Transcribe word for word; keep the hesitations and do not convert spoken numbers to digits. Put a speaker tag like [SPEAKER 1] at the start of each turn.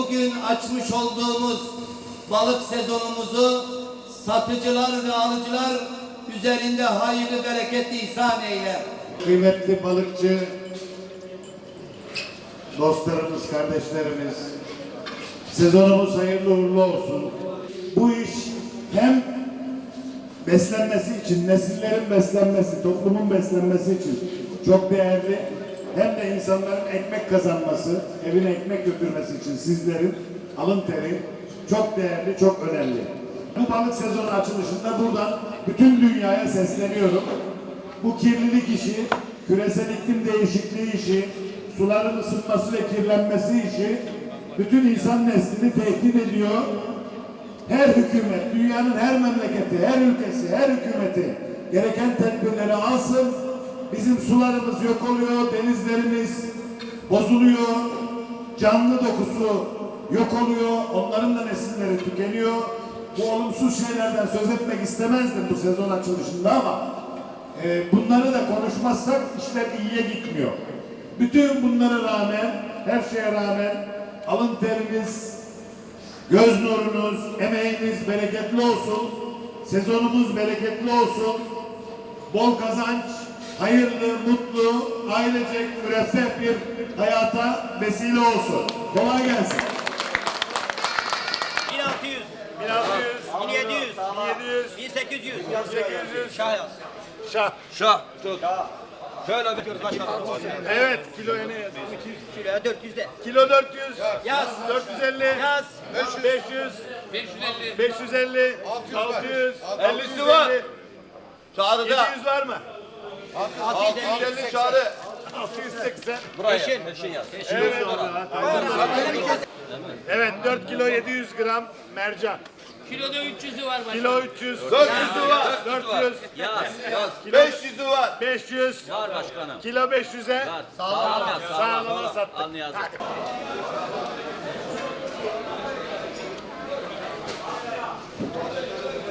[SPEAKER 1] bugün açmış olduğumuz balık sezonumuzu satıcılar ve alıcılar üzerinde hayırlı bereket ihsan eyle.
[SPEAKER 2] Kıymetli balıkçı dostlarımız, kardeşlerimiz, sezonumuz hayırlı uğurlu olsun. Bu iş hem beslenmesi için, nesillerin beslenmesi, toplumun beslenmesi için çok değerli, hem de insanların ekmek kazanması, evine ekmek götürmesi için sizlerin alın teri çok değerli, çok önemli. Bu balık sezonu açılışında buradan bütün dünyaya sesleniyorum. Bu kirlilik işi, küresel iklim değişikliği işi, suların ısınması ve kirlenmesi işi bütün insan neslini tehdit ediyor. Her hükümet, dünyanın her memleketi, her ülkesi, her hükümeti gereken tedbirleri alsın. Bizim sularımız yok oluyor, denizlerimiz bozuluyor, canlı dokusu yok oluyor, onların da nesilleri tükeniyor. Bu olumsuz şeylerden söz etmek istemezdim bu sezon açılışında ama e, bunları da konuşmazsak işler iyiye gitmiyor. Bütün bunlara rağmen, her şeye rağmen alın teriniz, göz nurunuz, emeğiniz bereketli olsun, sezonumuz bereketli olsun, bol kazanç, hayırlı, mutlu, ailecek, müreffeh bir hayata vesile olsun. Kolay gelsin.
[SPEAKER 3] bin altı yüz,
[SPEAKER 4] bin altı yüz,
[SPEAKER 3] bin yedi yüz,
[SPEAKER 4] bin yedi yüz,
[SPEAKER 3] bin sekiz yüz,
[SPEAKER 4] bin sekiz yüz.
[SPEAKER 3] Şah yaz.
[SPEAKER 4] Şah.
[SPEAKER 3] Şah. Tut. Şöyle bir kaç tane?
[SPEAKER 4] Evet, kiloya ne yazıyor?
[SPEAKER 3] Kiloya dört yüzde.
[SPEAKER 4] Kilo dört yüz.
[SPEAKER 3] Yaz.
[SPEAKER 4] dört yüz elli.
[SPEAKER 3] Yaz.
[SPEAKER 4] beş yüz. beş yüz elli. altı yüz.
[SPEAKER 3] ellisi var. Çağrı'da.
[SPEAKER 4] yedi yüz var mı?
[SPEAKER 3] altı yüz elli
[SPEAKER 4] Çağrı. altı yüz seksen.
[SPEAKER 3] Peşin. Peşin yaz. Peşin.
[SPEAKER 4] Evet. Evet, dört kilo yedi yüz gram mercan.
[SPEAKER 5] Kiloda üç yüzü var başkanım.
[SPEAKER 4] Kilo üç yüz.
[SPEAKER 3] dört yüzü var.
[SPEAKER 4] dört yüz.
[SPEAKER 3] Yaz. Yaz.
[SPEAKER 4] beş yüzü var. beş yüz.
[SPEAKER 3] Var başkanım.
[SPEAKER 4] Kilo beş yüze.
[SPEAKER 3] Sağlam yaz.
[SPEAKER 4] Sağlama sattık.
[SPEAKER 3] Alnı yazdık.